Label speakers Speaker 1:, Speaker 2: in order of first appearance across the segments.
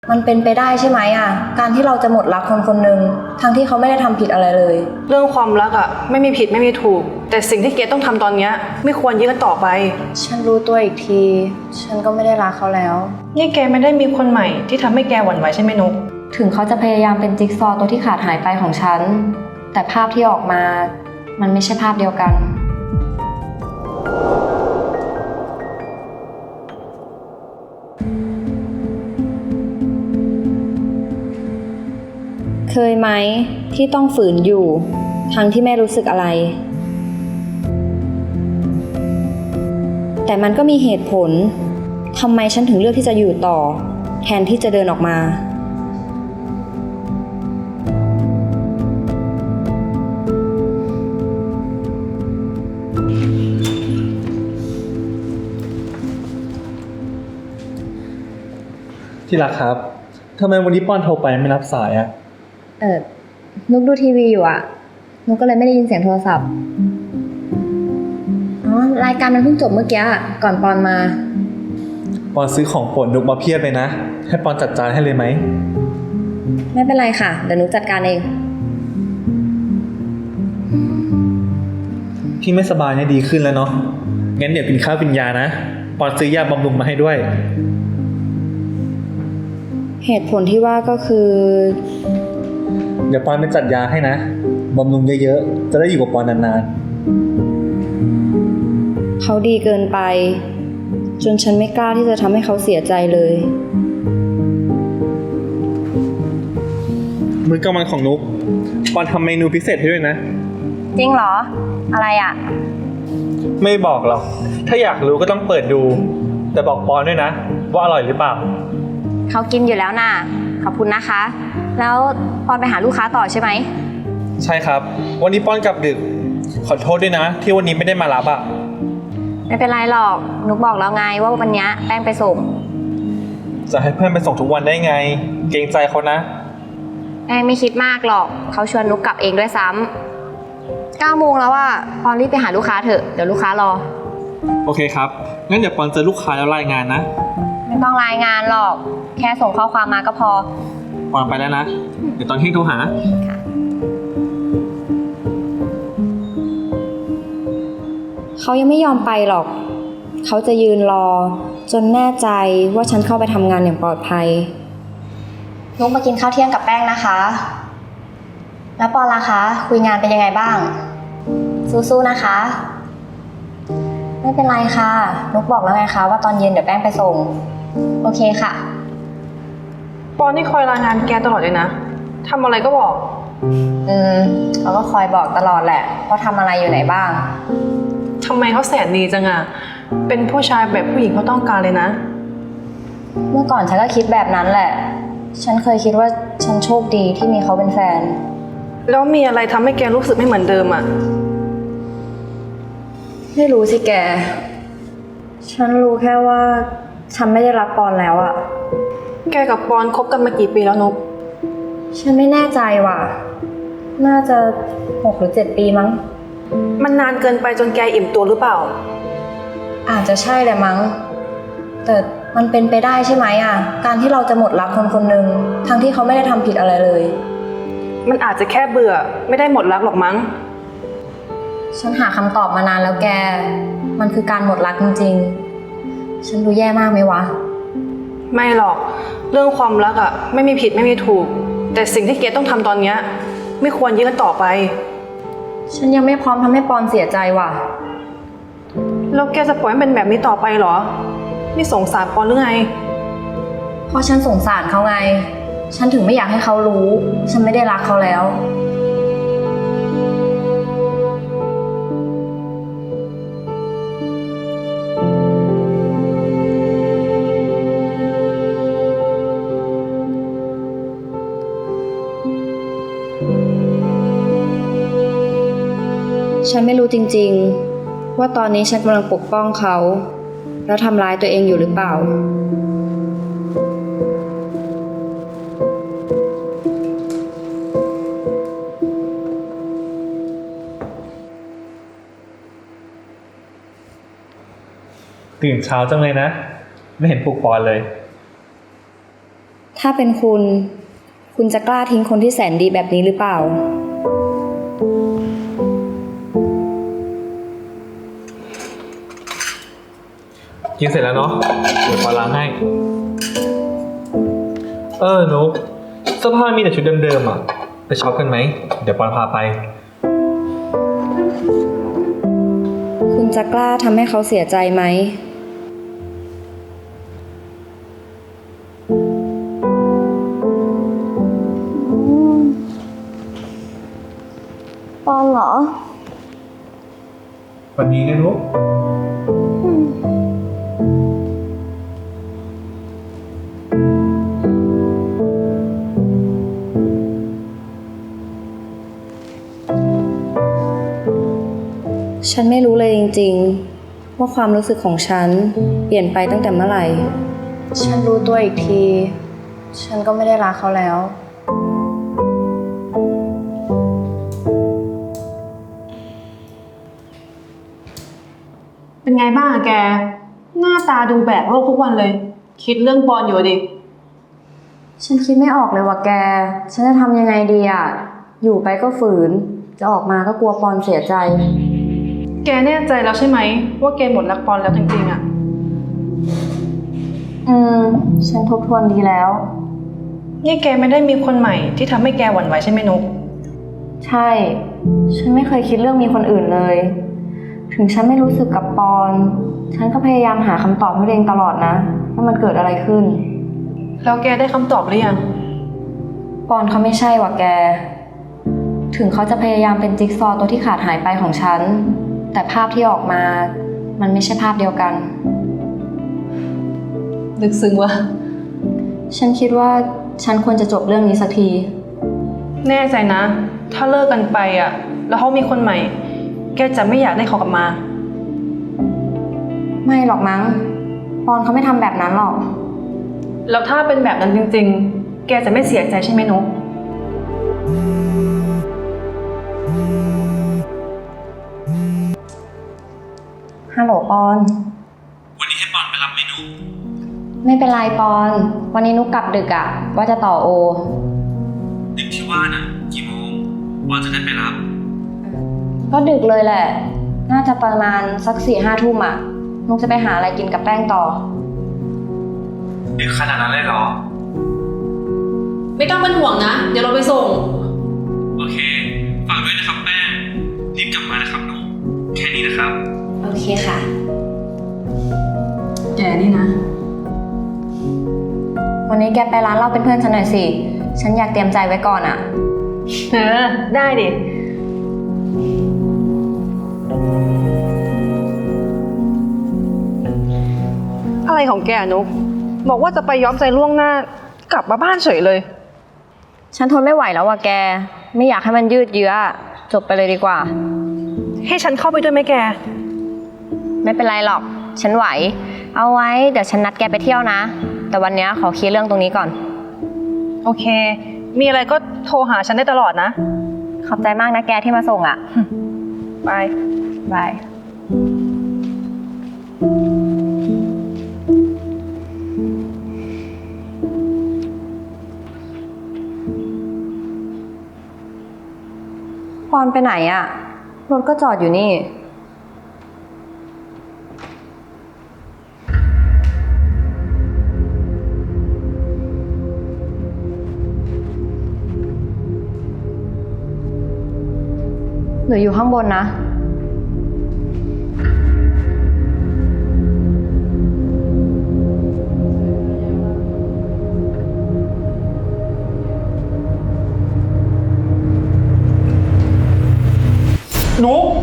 Speaker 1: มันเป็นไปได้ใช่ไหมการที่เราจะหมดรักคนคนหนึ่งทั้งที่เขาไม่ได้ทำผิดอะไรเลย
Speaker 2: เรื่องความรักไม่มีผิดไม่มีถูกแต่สิ่งที่เกดต้องทำตอนนี้ไม่ควรยื้อกันต่อไป
Speaker 1: ฉันรู้ตัวอีกทีฉันก็ไม่ได้รักเขาแล้ว
Speaker 2: นี่แกไม่ได้มีคนใหม่ที่ทำให้แกหวั่นไหวใช่ไหมนุ๊ก
Speaker 1: ถึงเขาจะพยายามเป็นจิ๊กซอว์ตัวที่ขาดหายไปของฉันแต่ภาพที่ออกมามันไม่ใช่ภาพเดียวกันเคยไหมที่ต้องฝืนอยู่ทั้งที่ไม่รู้สึกอะไรแต่มันก็มีเหตุผลทำไมฉันถึงเลือกที่จะอยู่ต่อแทนที่จะเดินออกมา
Speaker 3: ที่รักครับทำไมวันนี้ป้อนโทรไปไม่รับสาย
Speaker 1: นุกดูทีวีอยู่นุกก็เลยไม่ได้ยินเสียงโทรศัพท์รายการมันเพิ่งจบเมื่อกี้ก่อนปอนมา
Speaker 3: ปอนซื้อของโปรดนุกมาเพียบเลยนะให้ปอนจัดจานให้เลยไหม
Speaker 1: ไม่เป็นไรค่ะเดี๋ยวนุกจัดการเอง
Speaker 3: พี่ไม่สบายเนี่ยดีขึ้นแล้วเนาะงั้นเดี๋ยวกินข้าวกินยานะปอนซื้อยาบำรุงมาให้ด้วย
Speaker 1: เหตุผลที่ว่าก็คือ
Speaker 3: เดี๋ยวปอนไปจัดยาให้นะบำรุงเยอะๆจะได้อยู่กับปอนนาน
Speaker 1: ๆเขาดีเกินไปจนฉันไม่กล้าที่จะทำให้เขาเสียใจเลย
Speaker 3: มื้อกลางวันของนุกปอนทำเมนูพิเศษให้ด้วยนะ
Speaker 1: จริงเหรออะไร
Speaker 3: ไม่บอกหรอกถ้าอยากรู้ก็ต้องเปิดดูแต่บอกปอนด้วยนะว่าอร่อยหรือเปล่า
Speaker 1: เขากินอยู่แล้วน่ะขอบคุณนะคะแล้วปอนไปหาลูกค้าต่อใช่ไหม
Speaker 3: ใช่ครับวันนี้ปอนกลับดึกขอโทษด้วยนะที่วันนี้ไม่ได้มารับ
Speaker 1: ไม่เป็นไรหรอกนุกบอกแล้วไงว่าวันนี้แป้งไปส่ง
Speaker 3: จะให้เพื่อนไปส่งทุกวันได้ไงเกรงใจเขานะ
Speaker 1: แป้งไม่คิดมากหรอกเขาชวนนุกกลับเองด้วยซ้ำ9 โมงแล้วปอนรีบไปหาลูกค้าเถอะเดี๋ยวลูกค้ารอ
Speaker 3: โอเคครับงั้นเดี๋ยวปอนเจอลูกค้าแล้วรายงานนะ
Speaker 1: ไม่ต้องรายงานหรอกแค่ส่งข้อความมาก็พอ
Speaker 3: ปอนไปแล้วนะเดี๋ยวตอนเที่ยงโทรหา
Speaker 1: เขายังไม่ยอมไปหรอกเขาจะยืนรอจนแน่ใจว่าฉันเข้าไปทำงานอย่างปลอดภัยนุกมากินข้าวเที่ยงกับแป้งนะคะแล้วปอนล่ะคะคุยงานเป็นยังไงบ้างสู้ๆนะคะไม่เป็นไรค่ะนุกบอกแล้วไงคะว่าตอนเย็นเดี๋ยวแป้งไปส่งโอเคค่ะ
Speaker 2: ปอนนี่คอยรายงานแกตลอดเลยนะทำอะไรก็บอก
Speaker 1: เขาก็คอยบอกตลอดแหละว่าทำอะไรอยู่ไหนบ้าง
Speaker 2: ทำไมเขาแสนดีจังเป็นผู้ชายแบบผู้หญิงเขาต้องการเลยนะ
Speaker 1: เมื่อก่อนฉันก็คิดแบบนั้นแหละฉันเคยคิดว่าฉันโชคดีที่มีเขาเป็นแฟน
Speaker 2: แล้วมีอะไรทำให้แกรู้สึกไม่เหมือนเดิม
Speaker 1: ไม่รู้สิแกฉันรู้แค่ว่าฉันไม่ได้รักปอนแล้ว
Speaker 2: แกกับปอนคบกันมากี่ปีแล้วนุ๊ก
Speaker 1: ฉันไม่แน่ใจว่ะน่าจะ6 หรือ 7 ปีมั้ง
Speaker 2: มันนานเกินไปจนแกอิ่มตัวหรือเปล่า
Speaker 1: อาจจะใช่แหละมั้งแต่มันเป็นไปได้ใช่ไหมการที่เราจะหมดรักคนคนหนึ่งทั้งที่เขาไม่ได้ทำผิดอะไรเลย
Speaker 2: มันอาจจะแค่เบื่อไม่ได้หมดรักหรอกมั้ง
Speaker 1: ฉันหาคำตอบมานานแล้วแกมันคือการหมดรักจริงๆฉันดูแย่มากไหมวะ
Speaker 2: ไม่หรอกเรื่องความรักไม่มีผิดไม่มีถูกแต่สิ่งที่เกดต้องทำตอนนี้ไม่ควรยื้อกันต่อไป
Speaker 1: ฉันยังไม่พร้อมทำให้ปอนเสียใจว่ะ
Speaker 2: แล้วแกจะปล่อยให้เป็นแบบนี้ต่อไปเหรอนี่สงสารปอนหรือไง
Speaker 1: เพราะฉันสงสารเขาไงฉันถึงไม่อยากให้เขารู้ฉันไม่ได้รักเขาแล้วฉันไม่รู้จริงๆว่าตอนนี้ฉันกำลังปกป้องเขาแล้วทำร้ายตัวเองอยู่หรือเปล่า
Speaker 3: ตื่นเช้าจังเลยนะไม่เห็นปลุกปอนเลย
Speaker 1: ถ้าเป็นคุณ คุณจะกล้าทิ้งคนที่แสนดีแบบนี้หรือเปล่า
Speaker 3: กินเสร็จแล้วเนาะ เดี๋ยวปอนล้างให้ นุ๊กเสื้อผ้ามีแต่ชุดเดิมๆอ่ะ ไปช็อปกันไหม เดี๋ยวปอนพาไป
Speaker 1: คุณจะกล้าทำให้เขาเสียใจไหม
Speaker 4: ปอนเหรอ
Speaker 3: วันนี้นะนุ๊ก
Speaker 1: ฉันไม่รู้เลยจริงๆ ว่าความรู้สึกของฉันเปลี่ยนไปตั้งแต่เมื่อไหร่ ฉันรู้ตัวอีกที ฉันก็ไม่ได้รักเขาแล้ว
Speaker 2: เป็นไงบ้างอะแก หน้าตาดูแบกโลกทุกวันเลย คิดเรื่องปอนอยู่ดิ
Speaker 1: ฉันคิดไม่ออกเลยว่ะแก ฉันจะทำยังไงดีอ่ะ อยู่ไปก็ฝืน จะออกมาก็กลัวปอนเสียใจ
Speaker 2: แกแน่ใจแล้วใช่ไหมว่าแกหมดรักปอนแล้วจริงๆอะ
Speaker 1: ฉันทบทวนดีแล้ว
Speaker 2: นี่แกไม่ได้มีคนใหม่ที่ทำให้แกหวั่นไหวใช่ไหมนุ๊ก
Speaker 1: ใช่ ฉันไม่เคยคิดเรื่องมีคนอื่นเลย ถึงฉันไม่รู้สึกกับปอน ฉันก็พยายามหาคำตอบให้ตัวเองตลอดนะว่ามันเกิดอะไรขึ้น
Speaker 2: แล้วแกได้คำตอบหรือยัง
Speaker 1: ปอนเขาไม่ใช่ว่ะแก ถึงเขาจะพยายามเป็นจิ๊กซอว์ตัวที่ขาดหายไปของฉัน แต่ภาพที่ออกมา มันไม่ใช่ภาพเดียวกัน
Speaker 2: ลึกซึ้งวะ
Speaker 1: ฉันคิดว่าฉันควรจะจบเรื่องนี้สักที
Speaker 2: แน่ใจนะ ถ้าเลิกกันไปอะแล้วเขามีคนใหม่ แกจะไม่อยากได้เขากลับมา
Speaker 1: ไม่หรอกมั้ง ปอนเขาไม่ทำแบบนั้นหรอก
Speaker 2: แล้วถ้าเป็นแบบนั้นจริงๆ แกจะไม่เสียใจใช่ไหมนุ๊ก
Speaker 1: ฮัลโหลปอน
Speaker 3: วันนี้ให้ปอนไปรับเมนู
Speaker 1: ไม่เป็นไรปอน วันนี้นุกกลับดึกอะว่าจะต่อโอ
Speaker 3: ดึกที่ว่าน่ะ กี่โมงปอนจะได้ไปรับ
Speaker 1: ก็ดึกเลยแหละ น่าจะประมาณสัก4-5 ทุ่มอะนุกจะไปหาอะไรกินกับแป้งต่อ
Speaker 3: ดึกขนาดนั้นเลยเหรอ
Speaker 5: ไม่ต้องเป็นห่วงนะ เดี๋ยวเราไปส่ง
Speaker 3: โอเค ฝากด้วยนะครับแป้ง รีบกลับมานะครับนุ๊ก แค่นี้นะครับ
Speaker 1: โอเคค่ะ
Speaker 2: แกนี่นะ
Speaker 1: วันนี้แกไปร้านเหล้าเป็นเพื่อนฉันหน่อยสิ ฉันอยากเตรียมใจไว้ก่อนอะ
Speaker 2: ได้ดิ อะไรของแกนุ๊ก บอกว่าจะไปย้อมใจล่วงหน้า กลับมาบ้านเฉยเลย
Speaker 1: ฉันทนไม่ไหวแล้วว่ะแก ไม่อยากให้มันยืดเยื้อ จบไปเลยดีกว่า
Speaker 2: ให้ฉันเข้าไปด้วยไหมแก
Speaker 1: ไม่เป็นไรหรอก ฉันไหว เอาไว้เดี๋ยวฉันนัดแกไปเที่ยวนะ แต่วันนี้ขอเคลียร์เรื่องตรงนี้ก่อน
Speaker 2: โอเค มีอะไรก็โทรหาฉันได้ตลอดนะ
Speaker 1: ขอบใจมากนะแกที่มาส่งอะ
Speaker 2: บาย
Speaker 1: บาย ปอนไปไหนอะรถก็จอดอยู่นี่ หนูอยู่ข้างบนนะ
Speaker 3: นุ๊ก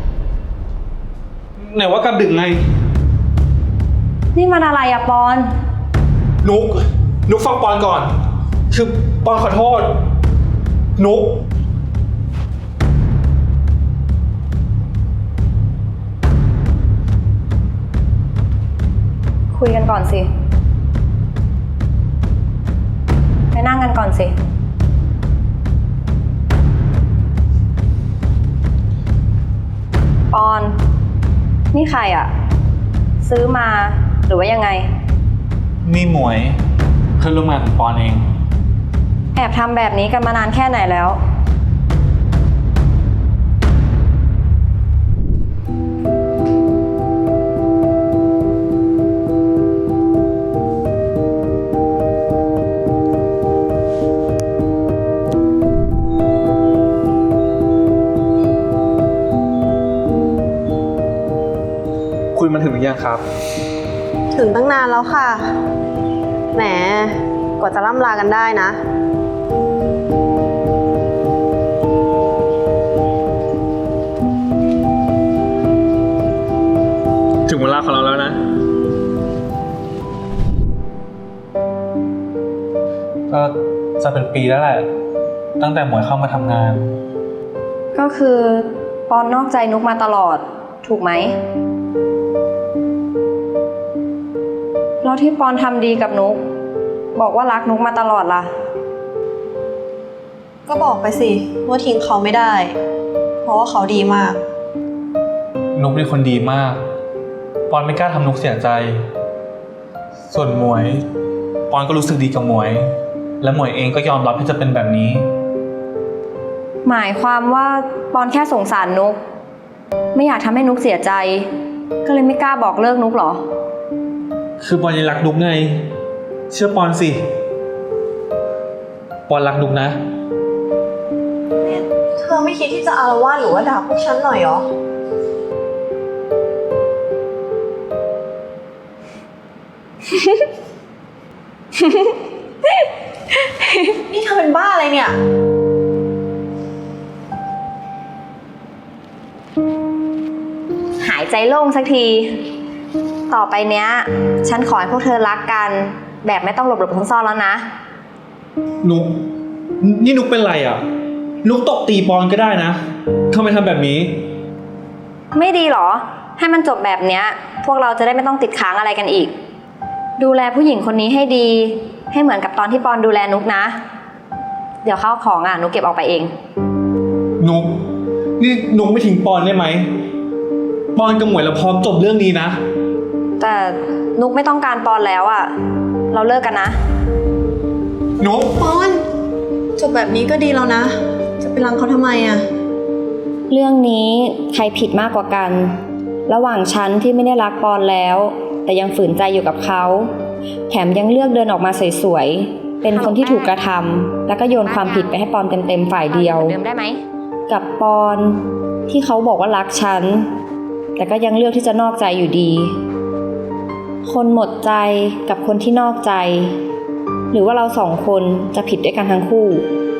Speaker 3: ไหนว่ากลับดึกไง
Speaker 1: นี่มันอะไรอะปอน
Speaker 3: นุ๊กฟังปอนก่อน คือปอนขอโทษ นุ๊ก
Speaker 1: คุยกันก่อนสิ ไปนั่งกันก่อนสิ ปอน นี่ใครอะซื้อมาหรือว่ายังไง
Speaker 3: นี่หมวยเพื่อนร่วมงานของปอนเอง
Speaker 1: แอบทำแบบนี้กันมานานแค่ไหนแล้ว
Speaker 3: คุยมาถึงหรือยังครับ
Speaker 4: ถึงตั้งนานแล้วค่ะ แหม กว่าจะล่ำลากันได้นะ
Speaker 3: ถึงเวลาของเราแล้วนะ ก็จะเป็นปีแล้วแหละ ตั้งแต่หมวยเข้ามาทำงาน
Speaker 1: ก็คือปอนนอกใจนุกมาตลอด ถูกไหม แล้วที่ปอนทำดีกับนุก บอกว่ารักนุกมาตลอดล่ะ
Speaker 4: ก็บอกไปสิว่าทิ้งเขาไม่ได้ เพราะว่าเขาดีมาก
Speaker 3: นุกเป็นคนดีมาก ปอนไม่กล้าทำนุกเสียใจ ส่วนหมวย ปอนก็รู้สึกดีกับหมวย และหมวยเองก็ยอมรับที่จะเป็นแบบนี้
Speaker 1: หมายความว่าปอนแค่สงสารนุก ไม่อยากทำให้นุกเสียใจ ก็เลยไม่กล้าบอกเลิกนุกเหรอ
Speaker 3: คือปอนยังรักนุกไง เชื่อปอนสิ ปอนรักนุกนะ
Speaker 4: เธอไม่คิดที่จะอารวาสหรือว่าด่าพวกฉันหน่อยเหรอ นี่เธอเป็นบ้าอะไรเนี่ย
Speaker 1: หายใจโล่งสักที ต่อไปเนี้ย ฉันขอให้พวกเธอรักกัน แบบไม่ต้องหลบซ่อนๆแล้วนะ
Speaker 3: นุก นี่นุกเป็นไรอ่ะ นุกตบตีปอนก็ได้นะทำไมทำแบบนี้
Speaker 1: ไม่ดีเหรอ ให้มันจบแบบเนี้ย พวกเราจะได้ไม่ต้องติดค้างอะไรกันอีก ดูแลผู้หญิงคนนี้ให้ดี ให้เหมือนกับตอนที่ปอนดูแลนุกนะ เดี๋ยวข้าวของนุกเก็บออกไปเอง
Speaker 3: นุก นี่นุกไม่ทิ้งปอนได้ไหม ปอนกับหมวยเราพร้อมจบเรื่องนี้นะ
Speaker 1: แต่นุกไม่ต้องการปอนแล้วเราเลิกกันนะ
Speaker 3: นุก
Speaker 4: ปอนจบแบบนี้ก็ดีแล้วนะ จะไปรังเขาทำไมอะ
Speaker 1: เรื่องนี้ใครผิดมากกว่ากัน ระหว่างฉันที่ไม่ได้รักปอนแล้ว แต่ยังฝืนใจอยู่กับเขา แถมยังเลือกเดินออกมาสวยๆ เป็นคนที่ถูกกระทำแล้วก็โยนความผิดไปให้ปอนเต็มๆฝ่ายเดียวเดิมได้ไหมกับปอนที่เขาบอกว่ารักฉัน แต่ก็ยังเลือกที่จะนอกใจอยู่ดี คนหมดใจกับคนที่นอกใจ หรือว่าเราสองคนจะผิดด้วยกันทั้งคู่